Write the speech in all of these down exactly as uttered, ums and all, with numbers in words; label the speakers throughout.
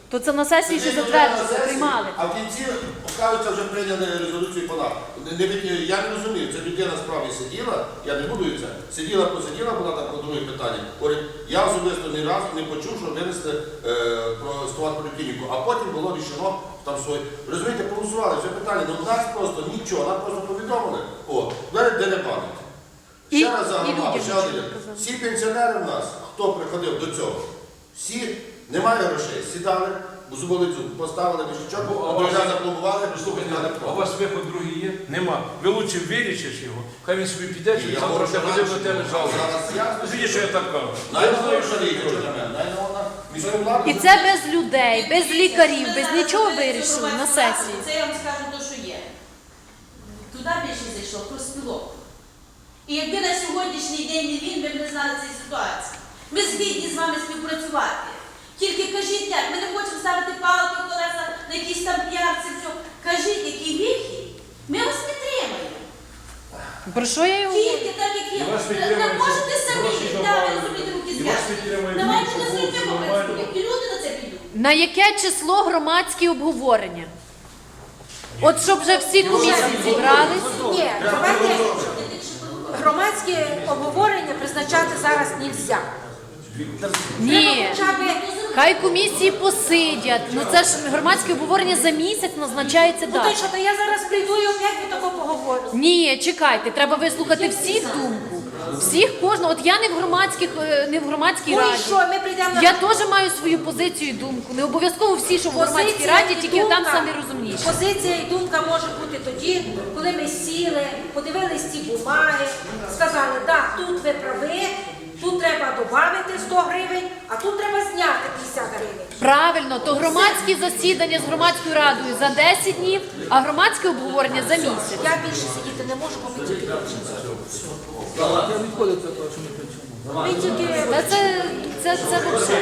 Speaker 1: То це на сесії ще затверджено, приймали.
Speaker 2: А в кінці, оказується, вже прийняли резолюцію подати. Я не розумію, це людина справді сиділа, я не буду це, сиділа, посиділа, була там по друге питання. Говорить, я особисто ні разу не почув, що винесли е, про стоматполіклініку, а потім було рішено там своє. Розумієте, проголосували, все питання, ну в нас просто нічого, нам просто повідомили. О, де не пам'ять. Ще раз загадав, ще один. Всі пенсіонери в нас, хто приходив до цього, всі, немає грошей, сідали, зуболицю поставили мішечок, а вже запломбували,
Speaker 3: Слухайте, а у вас виход другий є? Нема. Ви лучше вилічиш його, хай він собі піде, чи завтра ще ходив на тебе жалобу. Видите, що я так кажу.
Speaker 1: І це без людей, без лікарів, без нічого вирішили на сесії.
Speaker 4: Це я вам скажу те, що є. Туди більше зайшло, про спілок. І якби на сьогоднішній день не він, ми б не знали цієї ситуації. Ми згідні з вами співпрацювати. Тільки кажіть як, ми не хочемо ставити палки в колеса на якісь там п'ятці, все. Кажіть, який вихід, ми вас підтримаємо.
Speaker 1: Про що я й говорю?
Speaker 4: Тільки так, як є. Не можете самі, так, розуміти, руки зв'язки. Давайте на світі попрацюємо, і люди на це підуть.
Speaker 1: На яке число громадські обговорення? От щоб вже всі комісії зібрались.
Speaker 5: Ні, давайте громадські обговорення призначати зараз не можна.
Speaker 1: Ні.
Speaker 5: Хоча б
Speaker 1: Хай комісії посидять. Ну це ж громадське обговорення за місяць назначається
Speaker 5: ну то
Speaker 1: дата.
Speaker 5: що, то я зараз прийду і опять ви тако поговорю.
Speaker 1: Ні, чекайте, треба вислухати всіх думку. Всіх кожного. От я не в громадських, е, не в громадській
Speaker 5: Ну і
Speaker 1: раді.
Speaker 5: що, ми прийдемо на
Speaker 1: Я теж маю свою позицію і думку. Не обов'язково всі, що в громадській
Speaker 5: Позиція
Speaker 1: раді,
Speaker 5: і
Speaker 1: тільки там
Speaker 5: думка-
Speaker 1: самі розумніші.
Speaker 5: Позиція і думка може бути тоді, коли ми сіли, подивились ці бумаги, сказали, так, тут ви праві, тут треба додати сто гривень, а тут треба зняти п'ятдесят гривень.
Speaker 1: Правильно, то громадські засідання з громадською радою за десять днів, а громадське обговорення за місяць.
Speaker 5: Я більше сидіти не можу, бо ми тільки точно. Ми тільки...
Speaker 1: Та це, це, це вообще.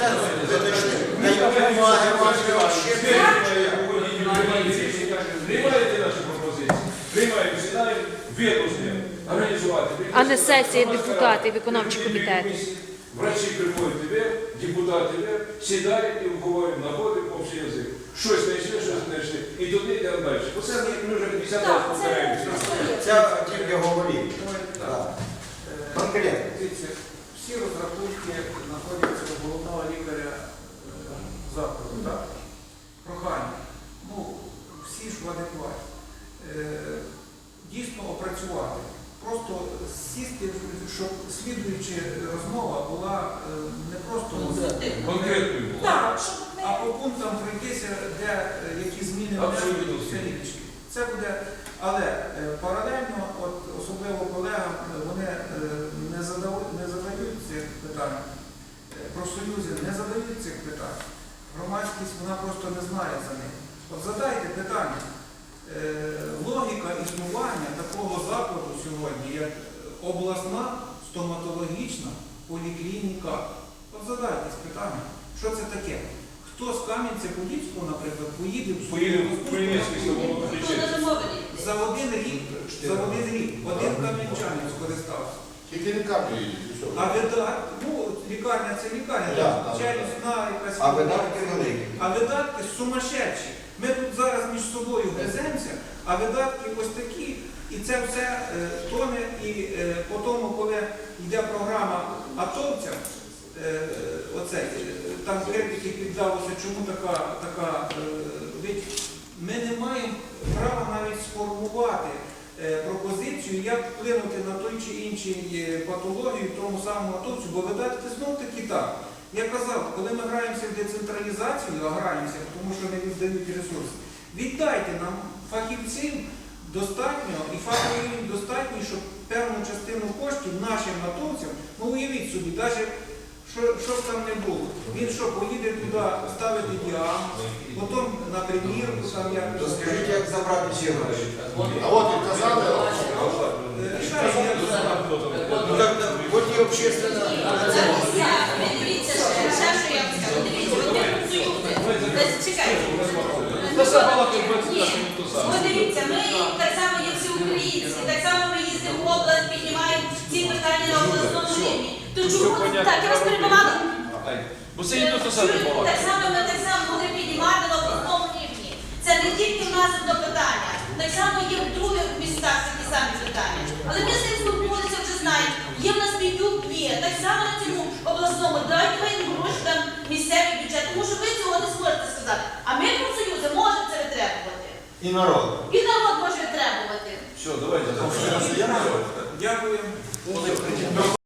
Speaker 3: Приймаєте наші пропозиції? Приймаємо, сідаємо, вирушуємо, організувати.
Speaker 1: А не сесія депутатів, виконавчі комітети.
Speaker 3: Врачі приходять тебе, депутати тебе, сідають і обговорюємо, знаходимо общий язик. Щось знайшли, щось знайшли. І туди йдемо далі. Оце ми вже п'ятдесят разів
Speaker 5: Так,
Speaker 3: повторяємося.
Speaker 6: Це тільки говорив. Конкретно.
Speaker 7: Дивіться, всі розрахунки знаходяться у головного лікаря е, закладу, так? Прохання. Ну, всі ж в адекваті. Е, Дійсно опрацювати. Просто сісти, щоб слідуюча розмова була е, не просто
Speaker 3: Конкретною було.
Speaker 5: Так, щоб
Speaker 7: а
Speaker 5: ми...
Speaker 7: по пунктам пройтися, де е, які зміни
Speaker 3: Абсолютно
Speaker 7: внесені,
Speaker 3: всі.
Speaker 7: все річки. Це буде, але е, паралельно, от особливо колегам, е, вони е, не задають, не задають цих питань, е, профсоюзи не задають цих питань. Громадськість, вона просто не знає за них. От задайте питання. Е, логіка існування такого закладу сьогодні, як обласна стоматологічна поліклініка. От задайтесь питання, що це таке? Хто з Кам'янця-Подільського, наприклад, поїде в
Speaker 3: Поїдемо в Хмельницький
Speaker 4: Хто
Speaker 3: стоматологічний.
Speaker 4: даже мовити?
Speaker 7: за один рік, за один рік, один кам'янчанин скористався.
Speaker 2: Тільки лікарні їдуть, і що?
Speaker 7: А видатки, ну, лікарня це лікарня,
Speaker 2: Да,
Speaker 7: так,
Speaker 2: да,
Speaker 7: челюстна якась.
Speaker 6: А видатки великі.
Speaker 7: А видатки сумасшедші. Ми тут зараз між собою гриземося, а видатки ось такі, і це все е, тоне, і е, по тому, коли йде програма атовцям, е, оцей, е, там критики піддалося, чому така, така е, ведь ми не маємо права навіть сформувати е, пропозицію, як вплинути на той чи інший е, патологію тому самому атовцю, бо видатки знов таки так. Я казав, коли ми граємося в децентралізацію, а граємося, тому що не віддають ресурси, віддайте нам фахівців достатньо і фаховий достатньо, щоб певну частину коштів нашим натовцям, ну уявіть собі, навіть що, що б там не було. Він що, поїде туди ставити діагноз, потім на примірку, там як...
Speaker 6: То скажіть, як забрати ці гроші?
Speaker 2: А от і казали,
Speaker 7: Рішає, як забрати.
Speaker 6: Ну так, от і общественна...
Speaker 4: Ви дивіться, ще що я вам скажу. Дивіться, от ми профсоюзи. Чекайте. Ні, от дивіться, ми так само, як всі українці, так само ми їздимо в область, піднімаємо ці питання на обласному рівні. То чому так, я вас перебувала?
Speaker 3: Бо це не то саме
Speaker 4: Так само ми так само нас одне питання. Так само є в других містах такі самі питання. Але ми з ним спілкувалися, вже знаємо. Є в нас Бідюк, є. Так само на цьому обласному. Дайте ви їм гроші там місцевий бюджет, тому що ви цього не зможете сказати. А ми, профсоюзи, можемо це витребувати.
Speaker 6: І народ.
Speaker 4: І народ може витребувати.
Speaker 3: Все, давайте.
Speaker 7: Дякую.